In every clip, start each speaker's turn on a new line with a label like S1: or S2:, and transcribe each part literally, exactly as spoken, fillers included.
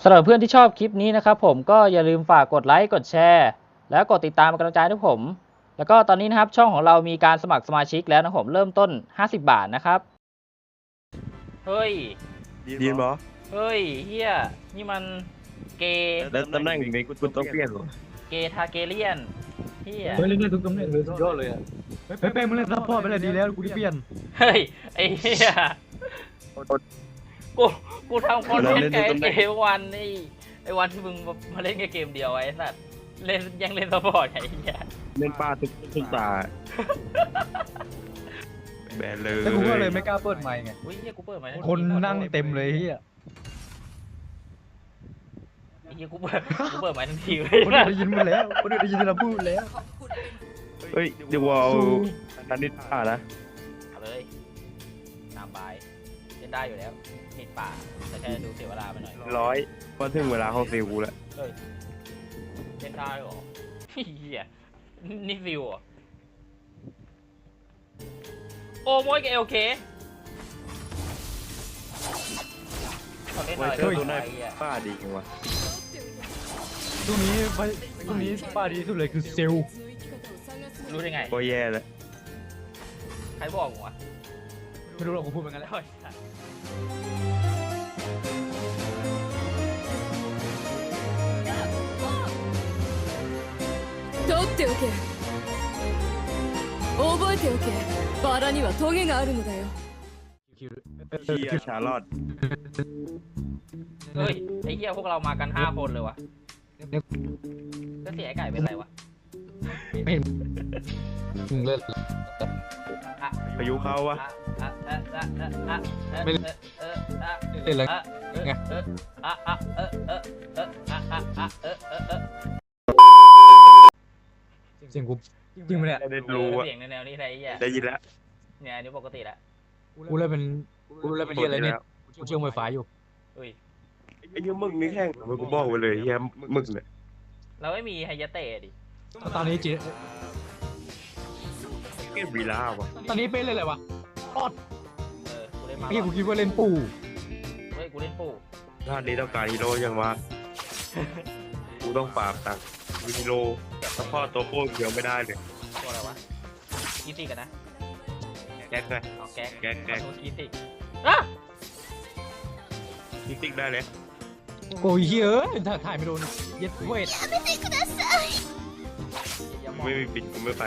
S1: สำหรับเพื่อนที่ชอบคลิปนี้นะครับผมก็อย่าลืมฝากกดไลค์กดแชร์แล้วกดติดตามเป็นกำลังใจให้ผมแล้วก็ตอนนี้นะครับช่องของเรามีการสมัครสมาชิกแล้วนะผมเริ่มต้นห้าสิบบาทนะครับเฮ้ย
S2: ดีนบอ
S1: เฮ้ยเฮียนี่มันเกย์
S2: แล้วตำแหน่งนี้คุณต้องเปลี่ยนหรอ
S1: เกย์ทาเกเลียนเฮีย
S3: เฮ้ยเล่นได้ทุกตำแหน่งเลยสุดยอดเลยอ่ะเฮ้ยเป้มึงเล่นซัพพอร์ตไปเลยดีแล้วกูได้เปลี่ยน
S1: เฮ้ยไอ้เฮียกูกูทำคอนเทนต์กับไอ้วันไอ้ไอ้วันที่มึงมาเล่นแค่เกมเดียวไอ้สัตว์เล่นยังเล่นซัพพอร์ตไอ้เฮีย
S2: เล่นป้าทุกทุกตาแบนเลย
S3: แต่กูก็เลยไม่กล้าเปิดไมค์ไง
S1: อุ้ยเฮียกูเปิดไมค์
S3: คนนั่งเต็มเลยเฮีย
S1: ไอ้เฮียกูเปิดกูเปิดไมค์ทันทีเลย
S3: คนได้ยินมาแล้วคนได้ยินเราพูดแล้ว
S2: เฮ้ยเดี๋ยวเอานันนิดป้านะ
S1: เอาเลยตามบายเล่นได้อยู่แล้วนิดป่าแต่แค่ดูเสียเวลาไปหน่อย
S2: ร้อยพอถึงเวลาเขาฟิวกูแล้ว
S1: เฮ้ยเล่นได้หรอเฮียนี่ฟิวอ่ะโอ้โมยกับเอลเคเล่นหน่อย
S2: ตัวนี้ป้าดีจังวะ
S3: ตรงนี้ไปตรงนี้ป้าดีสุดเลยคือเซล
S1: รู้ได้ไง
S2: ก็แย่แล้ว
S1: ใครบอกวะ
S3: ไม่รู้หรอกกูพูดเหมือนกันแล้ว
S4: 取っておけ覚えておけバラにはトゲがあるのだよ
S2: เฮียชาลอด
S1: เฮ้ยไอ้เหี้ยพวกเรามากันห้าคนเลยวะก็เสียไอ้ไก่เป็นไรวะ
S3: ไม่เห็นมึงเลิศ
S2: พายุเข้าวะ
S3: ไม่เล่นเลยไงเสียงกูจริงไหมเนี่ย
S2: ได้รู้อะ
S1: เสียงในแนวนี้ไอ้เหี้ย
S2: ได้ยินแล้ว
S1: เนี่ยนี่ปกติแล้ว
S3: กูเลยเป็นกูเลยเป็นเฮียอะไรเนี่ยกูเชื่อมไฟฟ้าอยู่
S1: เฮ้ย
S2: ไอ้เหี้ยมึงนี่แห้งมันกูบอกไปเลยเฮียมึงเนี่ย
S1: เราไม่มีไฮยะเตะดิ
S3: ตอนนี้จี
S2: เกมวีล่าวะ
S3: ตอนนี้เป็นเลยอะไรวะออด
S1: เออกูเล่นมา
S3: พี่กูคิดว่าเล่นปู่
S1: เฮ้ยกูเล่นปู่
S2: ชาตินี้ต้องการฮีโร่ยังวะกูต้องปราบตังฮีโร่แต่พ่อตัวโค้งเดียวไม่ได้เลย
S1: ตัวอะไรวะกีติกันนะ
S2: แก๊กไง
S1: เอาแก๊ก
S2: แก๊กแก๊ก
S1: กีติอ่ะ
S2: กีติได้เลย
S3: โอ้ยเฮ้ยถ่ายไม่โดนเย็ดเวท
S2: ไม่มีปิดกูไม่ไป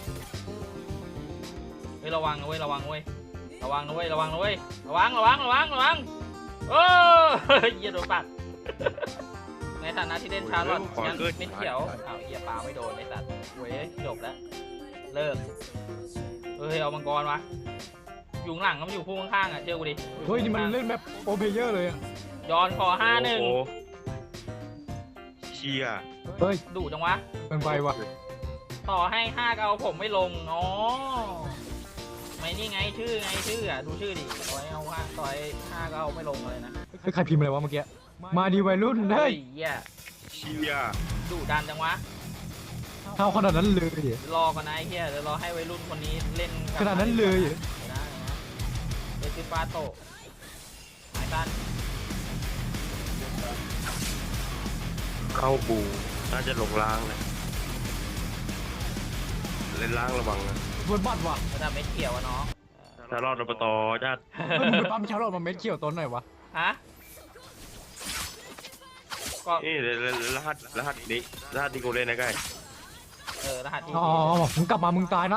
S1: เฮ้ยระวังนะเว้ยระวังเว้ยระวังนะเว้ยระวังนะเว้ยระวังระวังระวังระวังโอ้ยเหี้ยโดนปัดในฐานะที่เล่นชาร์ลอตยังไม่เขียวอ้าวเหี้ยปลาไม่โดนไอ้สัตว์เว้ยจบแล้วเลิกเฮ้ยเอามังกรวะอยู่หลังก็มันอยู่คู่ข้างๆอ่ะเชื่อกูดิ
S3: เฮ้ยนี่มันเล่นแบบโอเพเยอร์เลยอ่ะ
S1: ย้อนคอห้าหนึ่ง
S2: เชีย
S3: เฮ้ย
S1: ดุจังวะ
S3: เป็นไฟวะ
S1: ต่อให้ห้าก็เอาผมไม่ลงอ๋อไม่นี่ไงชื่อไงชื่ออ่ะดูชื่อดิต่อยเอาห้าต่อยห้าก็เอาไม่ลงเลยนะ
S3: ใครพิมพ์อะไรวะเมื่อกี้มาดีวัยรุ่นเฮ้ย
S2: เชีย
S1: ดุดันจังวะ
S3: เท่าขนาดนั้นเลย
S1: รอกันนะไอ้เหี้ยเดี๋ยวรอให้วัยรุ่นคนนี้เล่น
S3: ขนาดนั้นเลย
S1: นะเดซิฟาโตหมายสั้น
S2: เข้าบูน่าจะหลงล้างเลยเล่นล้างระวังนะ
S3: บนบัตรวะ
S1: ระดับเม็ดเขียวอะเนาะ
S2: ชาลอดอบตจ้า
S3: มึงไปปั๊มชาลอดมาเม็ดเขียวต้นไหนวะ
S1: ฮะ
S2: ก็นี่รหัสรหัสนี้รหัสที่กูเล่นนะใกล้
S1: เออรหัส
S3: อ๋อมึงกลับมามึงตายนะ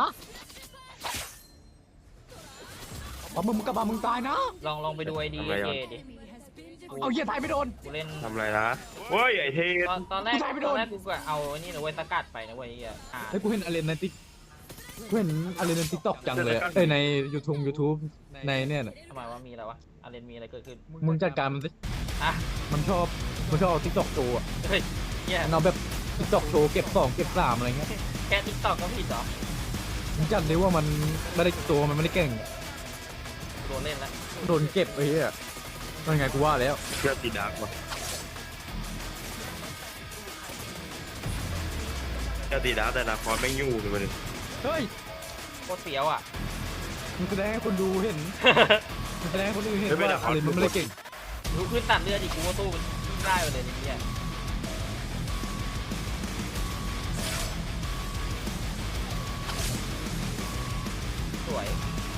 S3: มึงมึงกลับมามึงตายนะ
S1: ลองลองไปดูไอดีเจดิ
S3: เอาเหี้ยตายไม่โดน
S1: กูเล่น
S2: ทำไรนะเว้ยไอเท
S1: ตอนตอนแรกตอนแรกกูก็เอานี่นะเว้ยสกัดไปนะเว้ยอ่ะ
S3: เฮ้ยกูเห็นอะไรในติ๊กกูเห็นอะไรในติ๊กต็อกจังเลยเอ้ยในยูทูบยูทูบในเนี่ย
S1: ทำไมว่ามีอะไรวะอะไรมีอะไรเกิดขึ้น
S3: มึงจัดการมันสิ
S1: อ่ะ
S3: มันชอบมันชอบติ๊กต็อกโชว์อ่ะ
S1: เฮ้ยเนี่ย
S3: เอาแบบติ๊กต็อกโชว์เก็บสองเก็บสามอะไรเงี้ย
S1: แค่ติ๊กต็อกก็ผิดเหรอ
S3: มึงจัดเลยว่ามันไม่ได้ตัวมันไม่ได้เก่ง
S1: โดนเล่นแล้ว
S3: โดนเก็บไอ้เหี้ยนั่นไงกูว่าแล้ว
S2: เชื่อตีดักวะเชื่อตีดักแต่นาคอนไม่ยุ่งเลยมัน
S3: เฮ้ย
S1: โคตรเสียวอ่ะ
S3: มันแสดงให้คนดูเห็นมันแสดงให้คนดูเห็นว่าอะไรมันไม่ได้เก่ง
S1: รู้ขึ้นตัดเลือดอีกกูก็สู้ได้เลยไอ้เหี้ยสวย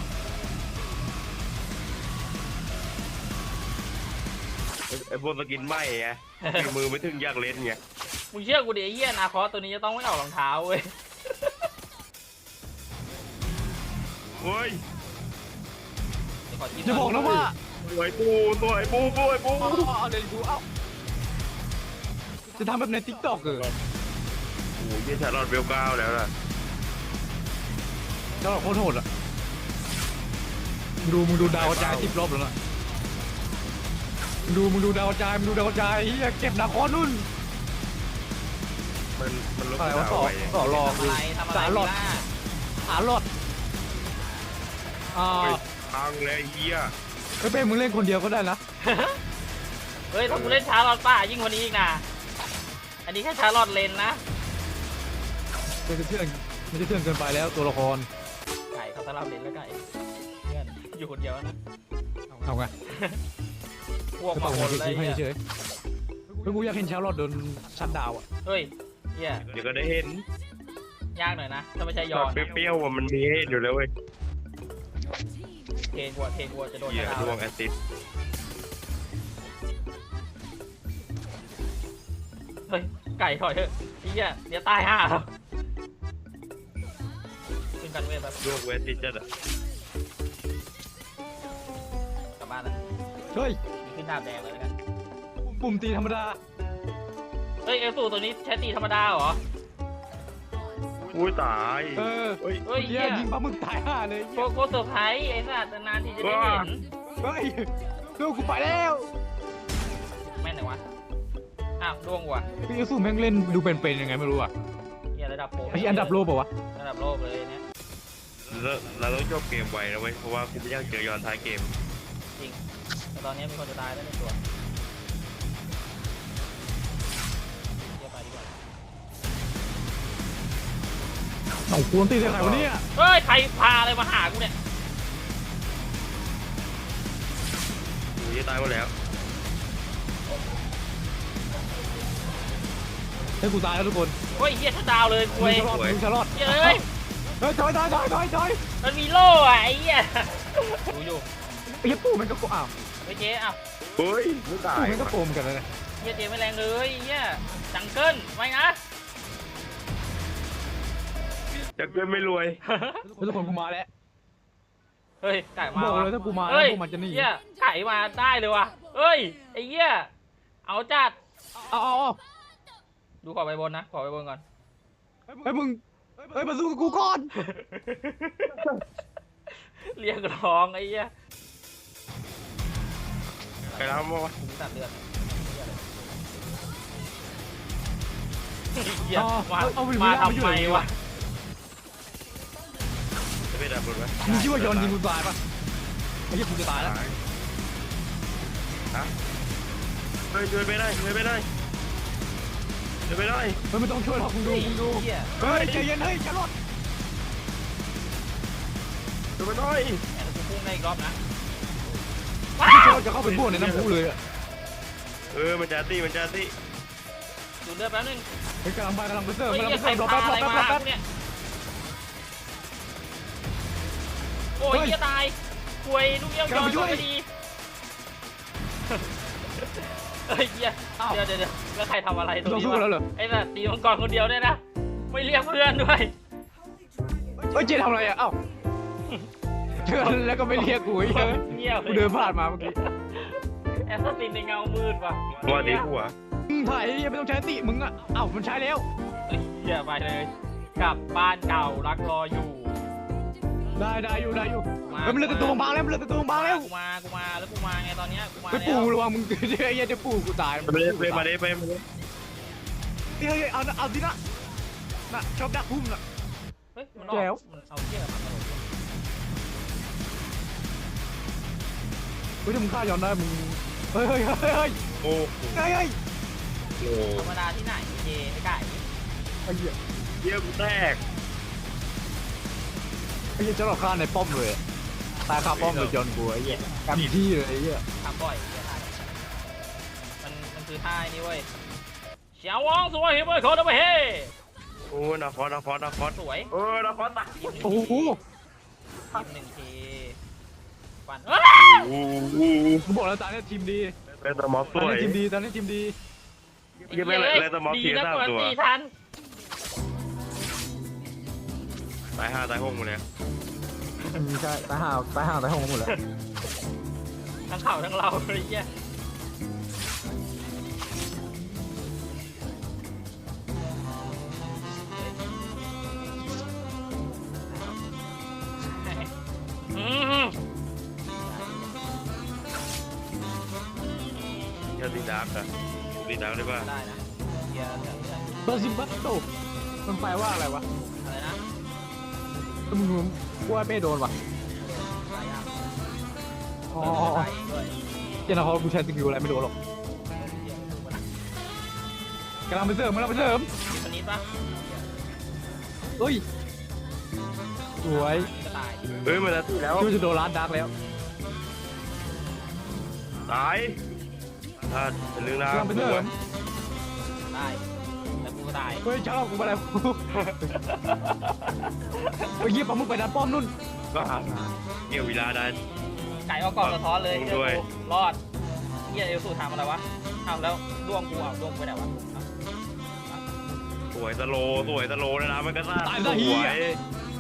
S2: ไอ้พวกสกินไหมไงมีมือไม่ถึงอยากเล่นไง
S1: มึงเชื่อกูดิไอ้เหี้ยนาคอสตัวนี้จะต้องไม่ออกรองเท้าเว้ย
S2: เฮ้ย
S1: เดี๋ยวขอจิ้ม
S3: จะบอกนะว่า
S2: สวยปูสวยปูสวยปู
S3: เอาเอาเดี๋ยวดูเอ้าจะทำแบบในทิกตอกเออ
S2: โอ้ยเยี่ยชาลอดเบลเก้าแล้วล่ะ
S3: เจ้าโคตรโหดอ่ะมึงดูมึงดูดาวกระจายสิบรอบแล้วนะมึงดูมึงดูดาวกระจายมึงดูดาวกระจายเฮียเก็บนาคอนุ่น
S2: มันมันลบ
S3: อะไรวะ
S2: ดาว
S3: ต่อ
S2: ไป
S3: ต่อรอ
S1: ทำอะไรทำอะไร
S3: สารหลอด
S1: ล่ะ
S3: หาหลอดอ่า
S2: เฮ้ยพังเลยไอ้เหี้ย
S3: ไม่เป็นมึงเล่นคนเดียวก็ได้นะ
S1: เฮ้ยถ้ากูเล่นชาร์ลอตป้ายิ่งกว่านี้อีกนะอันนี้แค่ชาร์ลอตเลนนะ
S3: มันจะเชื่องมันจะเชื่องเกินไปแล้วตัวละคร
S1: ไก่เขาสลับเลนแล้วไก่เพื่อนอยู่คนเดียวนะ
S3: เอาไง
S1: พวก
S3: จะ
S1: มา
S3: ตก
S1: ค
S3: มาน
S1: เลย
S3: คิดให้
S1: เนี่ย
S3: เฉยๆเฮ้ยกูอยากเห็นชาวรอดโดนชัดดาวอ่ะ
S1: เฮ้ยเฮีย
S2: เดี๋ยวก็ได้เห็น
S1: ยากหน่อยนะถ้าไม่ใช่ย
S2: ต
S1: อ
S2: อน
S1: น
S2: เปรี้ยวๆว่ามันมีให้เห็นอยู่แล้วเว้ย
S1: เทนวัวเทนวัวจะโดน
S2: เหี้ย
S1: ชา
S2: ดว
S1: ร์ล
S2: งแอซิด
S1: เฮ้ยไก่ถอยเถอะเฮียเดี๋ยวตายห่าแล้วขึ้นกันเวทแบบ
S2: ดวงแอซิดจัดอะ
S1: กลับบ้านแล้ว
S3: เฮ้ย
S1: มีขึ้นดาบแดงเลยแล้วกัน
S3: ปุ่มตีธรรมดา
S1: เฮ้ยเอลสูตัวนี้ใช้ตีธรรมดาเหรอ
S2: อุ้ยตาย
S3: เออ
S2: เฮ้ย
S1: เฮ้ย
S3: เฮี
S1: เฮี
S3: ย
S1: ย
S3: ยิงปลาหมึกตายห่าเลย
S1: โกโก้เซอร์ไพรส์ไอ้สัตว์นานๆที่จะได้เห็น
S3: เฮ้ยดูกูไปแล้ว
S1: แม่นไหนวะอ้าวล่วงว่ะ
S3: พี่ยูสูแม่งเล่นดูเป็นๆยังไงไม่รู้อ่ะ
S1: เฮียระดับโปร
S3: ไอ้อันดับโลกเปล่าวะ
S1: ระดับโลกเลยเนี่ย
S2: เราเราต้องจบเกมไวนะเว้ยเพราะว่ากูไม่อยากเจอย้อนท้ายเกม
S1: จริงแต่ตอนนี้มีคนจะตายแล้วในตัวเฮียไปดีกว่า
S3: สองควรตีใส่ใครวะเนี่ย
S1: เฮ้ย ใครพาอะไรมาหากูเนี่ย
S2: กูจะตายหมดแล้ว
S3: ให้กูตายแล้วทุกคน
S1: เฮ้ยเฮียชัดดาวเลยคุ
S3: มึ
S1: ย
S3: งจะรอดมึงจะรอด
S1: เฮียเอ้ย
S3: เฮ้ยถอยถอยถอยถอยถอย
S1: มันมีโล่อะไอ้เฮียดูอยู่
S3: ไอ้เหี้ยปู่มันก็โกอ้าว
S1: ไอ้เจ๊อ้าว
S2: เฮ้ยไม่ตาย
S3: ปู่มันก็โกงเหมือนกันนะ
S1: เฮียเจ๊ไม่แรงเลยเฮียจังเกิลไม่นะ
S2: จะเกินไม่รวย
S3: ทุกคนกูมาแล้ว
S1: เฮ้ยไก่มา
S3: บอก
S1: ว่ะ
S3: เลยถ้ากูมา
S1: เฮ้ย
S3: พวกมันจะหนี
S1: เฮียไก่มาได้เลยว่ะเฮ้ยไอ้เฮียเอาจัด
S3: เอาเอาเอา
S1: ดูขอไปบนนะขอไปบนก่อน
S3: เฮ้ยมึงเฮ้ยมาสู้กับกูก่อน
S1: เรียกร้องไอ้เหี้ย
S2: ใครทำวะ
S1: กูตัดเลือดเหี้ย
S3: อ๋อ
S1: มา
S3: เอาไป
S1: มา
S3: เอาไปอยู่
S1: ทำไม
S3: ไหน
S1: วะ
S3: วะ
S2: จะไม่ดับรถไหม
S3: มึงคิดว่ายอนยิงกูตายปะไอ้เหี้ยกูจะตายแล้ว
S2: ฮะเฮ้ยช่วยไม่ได้ช่วยไม่ได้ช่วยไม่ได้
S3: เฮ้ยไม่ต้องช่วยหรอกมึงดูมึงดู
S1: เหี้ย
S3: เฮ้ยใจเย็นเฮ้ยจะรอด
S2: ช่วยไม่ได้
S1: แอนกูพุ่งได้อีกรอบนะ
S3: จะรอดจะเข้าไปพวกในน้ำพุเลยอะ
S2: เออมันจะตีมันจะตี
S1: ดูเลือดแป๊บนึง
S3: เฮ้ยกำลังไปกำลังไปเสิร์ฟ
S1: เฮ้ย
S3: กำลัง
S1: เหี้ย
S3: ไป
S1: ใคร
S3: เสิร์ฟรอ
S1: พา
S3: แป๊บ
S1: อะไร
S3: รอแป๊บรอแป๊บ
S1: มาเนี่ยโอ้ย
S3: เฮ้ย
S1: เหี้ยตายป่วยลูกเยี่ยม
S3: กำลั
S1: ย้อง น
S3: ไปช่วย
S1: พอดีเฮ้ยเหี้ย
S3: อ้าว
S1: เดี๋ยวเดี๋ยวเดี๋ยวแล้วใครทำอะไรตรง
S3: เรา
S1: นี้
S3: สู้กันแล้ว
S1: วะ
S3: เหรอ
S1: ไอ้สัตว์ตีมังกรคนเดียวเนี่ยนะไม่เรียกเพื่อนด้วย
S3: เฮ้ยเจทำอะไรอ่ะเอ้าเจอแล้วก็ไม่เรียกกูไอ้เหี้ย
S1: เงียบ
S3: กูเดินผ่านมาเมื่อกี้
S1: แอสซัสซินในเงามืดว่ะ
S2: ว่าดีกูอ่ะ
S3: มึงถ่ายยังไม่ต้องใช้สติมึงอ่ะเอ้ามันใช้แล้ว
S1: เฮ้ยเหี้ยไปเลยกลับบ้านเก่ารักรออยู่
S3: ได้ได้อยู่ได้อยู่
S1: มา
S3: เฮ้ยมันเลือดตัวบางแล้วมันเลือดตัวบางแล้ว
S1: กูมากูมาแล้วกูมาไงตอนเนี้ยกูมา
S3: ไป
S1: แล้
S3: ปู่
S1: ว
S3: ระวังมึงเดี๋ยวไอ้เหี้ยจะปู่กูตาย
S2: ไปเลยไปมาเลยไปมาเลย
S3: เฮ้ยเฮ้ยเอาเอาดินะน่ะชอบดักพุ่มน่ะ
S1: เฮ้ยมันออก
S3: แจ๋ว
S1: มันเอาเที่ยมาตลอด
S3: เฮ้ยถ้ามึงฆ่าย้อนได้มึงเฮ้ยเฮ้ยเฮ้ยเฮ้ย
S2: โอ้โห
S3: เฮ้ยเฮ้ย
S2: โอ้
S1: ธรรมดาที่ไหนเจไอ้ไก่
S3: ไอ้เหี้ย
S2: เยี่ยมแรก
S3: ไอ้เหี้ยจะหลอกฆ่าในป้อมเลยอะตายคาป้อมเลยจอนกูไอ้เหี้ยกำที่เลยไอ้เหี้ย
S1: ทำบ่อยเหี้ยได้มันมันคือท่านี่เว้ยเฉียววองสวยเฮ้ยเว้ยเขาทำไมเฮ้
S2: โอ้นาคอสนาคอสนาคอส
S1: สวย
S2: เออนาคอสตาย
S1: ยิ้มหนึ่ง
S3: โอ้
S1: ที
S3: โห
S1: ยิ้มหนึ่งทีฟันเอ้ย
S2: โอ้โห
S3: กูบอกแล้วตอนนี้ทีมดี
S2: เป็นสมอส
S3: ตอน
S2: วย
S3: นี้ทีมดีตอนนี้ทีมดี
S2: ยังไม่เลยเลยสมอส
S1: ดี
S2: เสีย
S1: นะ
S2: สาม
S1: กว่า
S2: ตัว
S1: ตีทัน
S2: ตายห้าตายหกหมดเลย
S3: ใช่ตายห่าตายห่าตายหงหมดแล้ว
S1: ทั้งเข่าทั้งเราเลยเหี้ยอืม
S2: ยาดีดาร์กอะดีดาร์กได้ป่ะ
S1: ได้นะเหี้ยเดี๋ยวเดี๋ยว
S3: เบอร์ซิมบัตโตมันแปลว่าอะไรวะ
S1: อะไรนะ
S3: มึงรู้ว่าไม่โดนวะ
S1: หลายอย่าง
S3: อ๋อ
S1: เออตายเองด้วย
S3: เจนเขากูใช้สกิลอะไรไม่โดนหรอก
S1: เหี้ยดูมันนะ
S3: กำลังไปเสริมกำลังไปเสริม
S1: มีคนนี้ปะ
S3: เฮ้ยสวย
S1: นี่ก็ตาย
S2: เฮ้ยมันจะตีแล้ว
S3: คิดว่าจะโดนร้านดักแล้ว
S2: ตายถ้าเป็นเรื่องราว
S3: กำลังไปเสริม
S1: ตายแล้วกูก็ตาย
S3: เฮ้ยชอบกูมาแล้วเฮ้ยเยี่ยปลาหมึกไปดันป้อมนู่น
S2: ก็หาเกี่ยวเวลาได้
S1: ไก่เอากล่องสะท้อนเลย
S2: ผม
S1: เจอ
S2: ด้วย
S1: กูรอดเหี้ยเอลสูทำอะไรวะทำแล้วดวงกูเอาดวงกูไปไหนวะเอา
S2: สวยตะโลสวยตะโลนะนะมันก็ซ่า
S3: ตาย
S2: ส
S3: ซะเหี้
S2: วย ย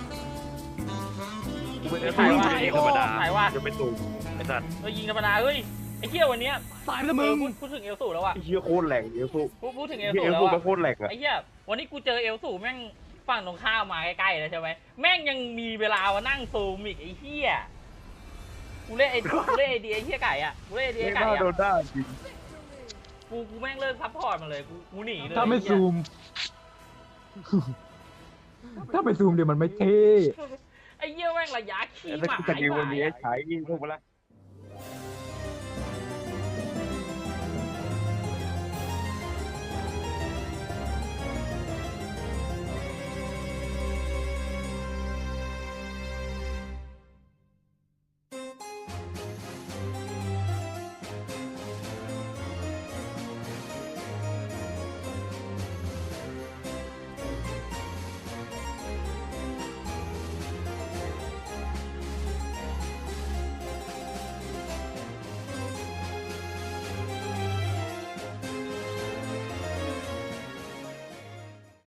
S2: กูเป็นไอ้
S1: ถ่ายว่า
S2: ตัวยิงธรรมดา
S1: ถ่ายว่า
S2: จะเป็นตุ่มไอ้สัตว์
S1: เออยิงธรรมดาเฮ้ยไอ้เหี้ยวันเนี้ย
S3: ตายไปแล้ว
S1: เอ
S3: มึ
S1: อง พูดพูดถึงเอลสูแล้วอะ
S2: ไอ้เหี้ยโคตรแหลกเอลซู
S1: พูดพูดถึงเอล
S2: เหี้ย
S1: สู
S2: เอล
S1: แล้ว
S2: ซู
S1: อะ
S2: มันโคตรแหลกอะ
S1: ไอ้เหี้ยวันนี้กูเจอเอลสูแม่งฝั่งตรงข้ามมาใกล้ๆเลยใช่ไหมแม่งยังมีเวลามานั่งซูมอีกไอ้เหี้ยกูเล่นไอ้กูเล่นไอเดียไอ้เหี้ยไก่อะกูเล่นไอเดีย
S2: ไม่
S1: ไก่
S2: น่า
S1: อะ
S2: โดนได้จริง
S1: กูกูแม่งเลิกซัพพอร์ตมันเลยกูกูหนีเลย
S3: ถ้าไม่
S1: อ้เหี้ย
S3: ซูม ถ้าไม่ซูมเดี๋ยวมันไม่เท่
S1: ไอ้เหี้ยแม่งระยะขี้
S2: แต่
S1: หมา
S2: สกิลวันนี้
S1: ไอ้
S2: ใช้ยิงถูกปะล่ะ